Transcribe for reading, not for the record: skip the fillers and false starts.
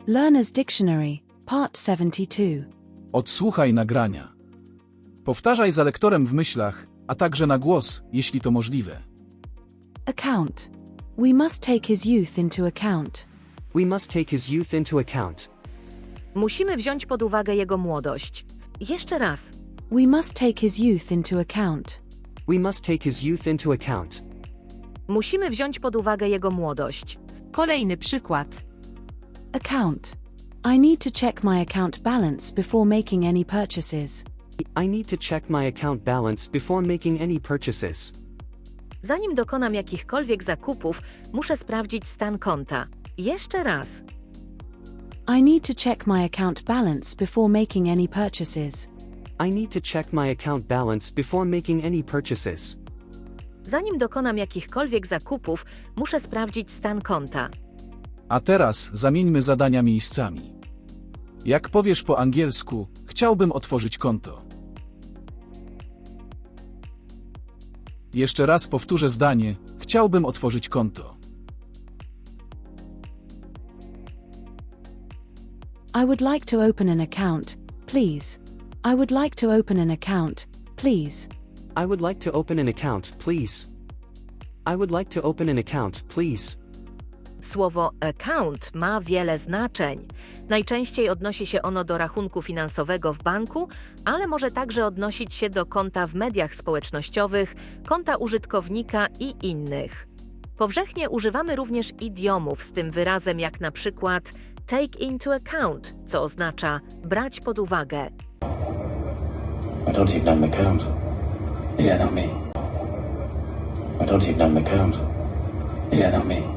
Learner's Dictionary, Part 72. Odsłuchaj nagrania. Powtarzaj za lektorem w myślach, a także na głos, jeśli to możliwe. Account. We must take his youth into account. We must take his youth into account. Musimy wziąć pod uwagę jego młodość. Jeszcze raz. We must take his youth into account. We must take his youth into account. Musimy wziąć pod uwagę jego młodość. Kolejny przykład. Account. I need to check my account balance before making any purchases. I need to check my account balance before making any purchases. Zanim dokonam jakichkolwiek zakupów, muszę sprawdzić stan konta. Jeszcze raz. I need to check my account balance before making any purchases. I need to check my account balance before making any purchases. Zanim dokonam jakichkolwiek zakupów, muszę sprawdzić stan konta. A teraz zamieńmy zadania miejscami. Jak powiesz po angielsku, chciałbym otworzyć konto. Jeszcze raz powtórzę zdanie, chciałbym otworzyć konto. I would like to open an account, please. I would like to open an account, please. I would like to open an account, please. I would like to open an account, please. Słowo account ma wiele znaczeń. Najczęściej odnosi się ono do rachunku finansowego w banku, ale może także odnosić się do konta w mediach społecznościowych, konta użytkownika i innych. Powszechnie używamy również idiomów z tym wyrazem, jak na przykład take into account, co oznacza brać pod uwagę. I don't even have an account. Yeah, not me. I don't even have an account. Yeah, not me.